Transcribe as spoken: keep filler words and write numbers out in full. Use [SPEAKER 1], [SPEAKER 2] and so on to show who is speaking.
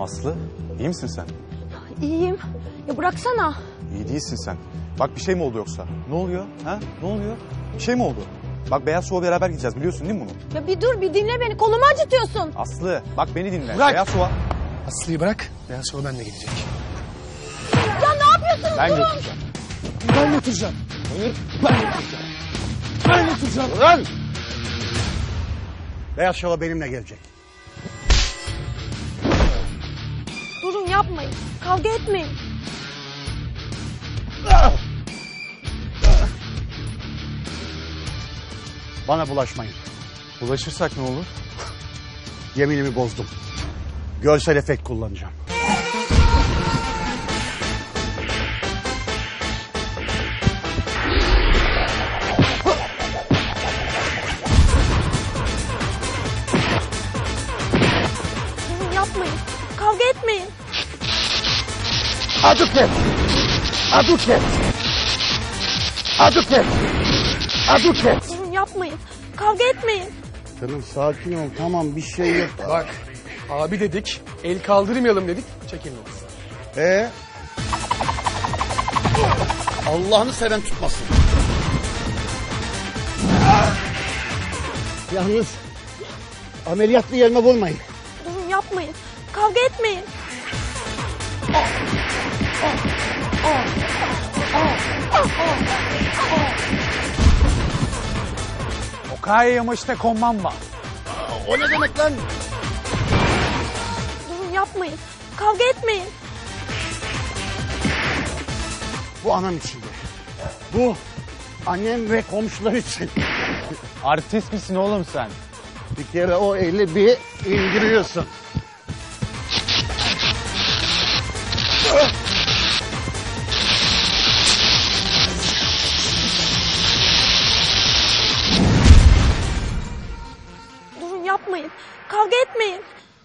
[SPEAKER 1] Aslı, iyi misin sen?
[SPEAKER 2] İyiyim. Ya bıraksana.
[SPEAKER 1] İyi değilsin sen. Bak bir şey mi oldu yoksa? Ne oluyor? Ha? Ne oluyor? Bir şey mi oldu? Bak Beyaz Şov'a beraber gideceğiz, biliyorsun değil mi bunu?
[SPEAKER 2] Ya bir dur, bir dinle beni. Kolumu acıtıyorsun.
[SPEAKER 1] Aslı, bak beni dinle.
[SPEAKER 3] Bırak.
[SPEAKER 1] Beyaz Şov'a
[SPEAKER 3] Aslı'yı bırak. Beyaz Şov benimle gidecek.
[SPEAKER 2] Ya ne yapıyorsunuz?
[SPEAKER 1] ben
[SPEAKER 2] Durun.
[SPEAKER 1] götüreceğim.
[SPEAKER 3] Ben götüreceğim.
[SPEAKER 1] Hayır, ben götüreceğim.
[SPEAKER 3] Ben götüreceğim.
[SPEAKER 1] Lan!
[SPEAKER 4] Beyaz Şov'a benimle gelecek.
[SPEAKER 2] Durun, yapmayın. Kavga etmeyin.
[SPEAKER 4] Bana bulaşmayın.
[SPEAKER 1] Ulaşırsak ne olur?
[SPEAKER 4] Yeminimi bozdum. Görsel efekt kullanacağım.
[SPEAKER 2] Durun, yapmayın. Kavga etmeyin.
[SPEAKER 4] Aduket! Aduket! Aduket! Aduket!
[SPEAKER 2] Durun, yapmayın. Kavga etmeyin.
[SPEAKER 4] Canım sakin ol, tamam bir şey yok.
[SPEAKER 3] Bak abi dedik. El kaldırmayalım dedik. Çekilmez.
[SPEAKER 4] Ee? Allah'ını seven tutmasın. Yalnız ameliyatlı yerime vurmayın.
[SPEAKER 2] Durun, yapmayın. Kavga etmeyin.
[SPEAKER 1] Okaye yamaçta konmam var.
[SPEAKER 4] O ne demek lan?
[SPEAKER 2] Durun, yapmayın. Kavga etmeyin.
[SPEAKER 4] Bu anam için. Bu annem ve komşular için.
[SPEAKER 1] Artist misin oğlum sen?
[SPEAKER 4] Bir kere o eli bir indiriyorsun.
[SPEAKER 2] Durun, yapmayın. Kavga etmeyin.